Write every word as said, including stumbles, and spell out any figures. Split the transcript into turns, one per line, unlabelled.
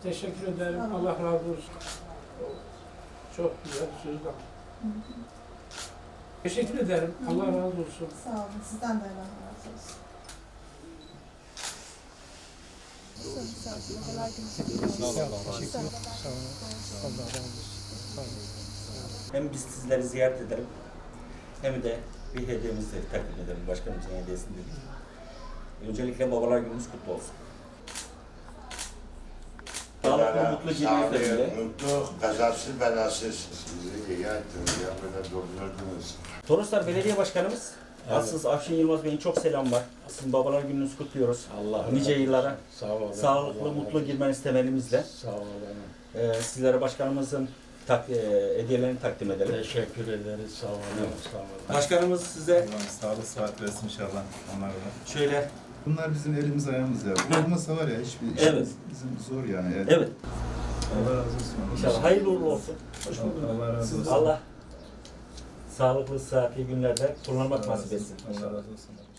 Teşekkür ederim. Allah razı olsun. Çok güzel sözler. Teşekkür ederim. Allah razı olsun.
Sağ olun. Sizden de Allah razı olsun.
Hem biz sizleri ziyaret edelim, hem de bir hediyemizi takdim edelim. Başkanımızın hediyesini dedik. Öncelikle babalar gününüz kutlu olsun. Sağlıklı, mutlu gününüzle.
Mutlu, kazasız belasız. Sizi iyi ettiniz, ya böyle doldurdunuz.
Toroslar Belediye Başkanımız, evet. Aslında Afşin Yılmaz Bey'in çok selam var. Sizin babalar gününüzü kutluyoruz.
Allah
nice yıllara
sağ olun.
Sağlıklı,
Allah
mutlu
Allah.
girmenizi temennimizle.
Sağ olun.
Ee, sizlere başkanımızın tak, e, hediyelerini takdim edelim.
Teşekkür ederiz. Sağ olun.
Evet.
Sağ olun.
Başkanımız size
Allah sağlık sıhhat versin inşallah onlara da.
şöyle.
Bunlar bizim elimiz ayağımız ya. Bu olmasa var ya hiçbir işimiz
Evet.
bizim zor yani. Evet.
Evet.
Allah razı olsun.
İnşallah hayırlı uğurlu olsun.
Hoş bulduk. Allah razı olsun.
Allah sağlıklı, sıhhatli günlerde kullanmak nasip etsin.
Allah razı olsun.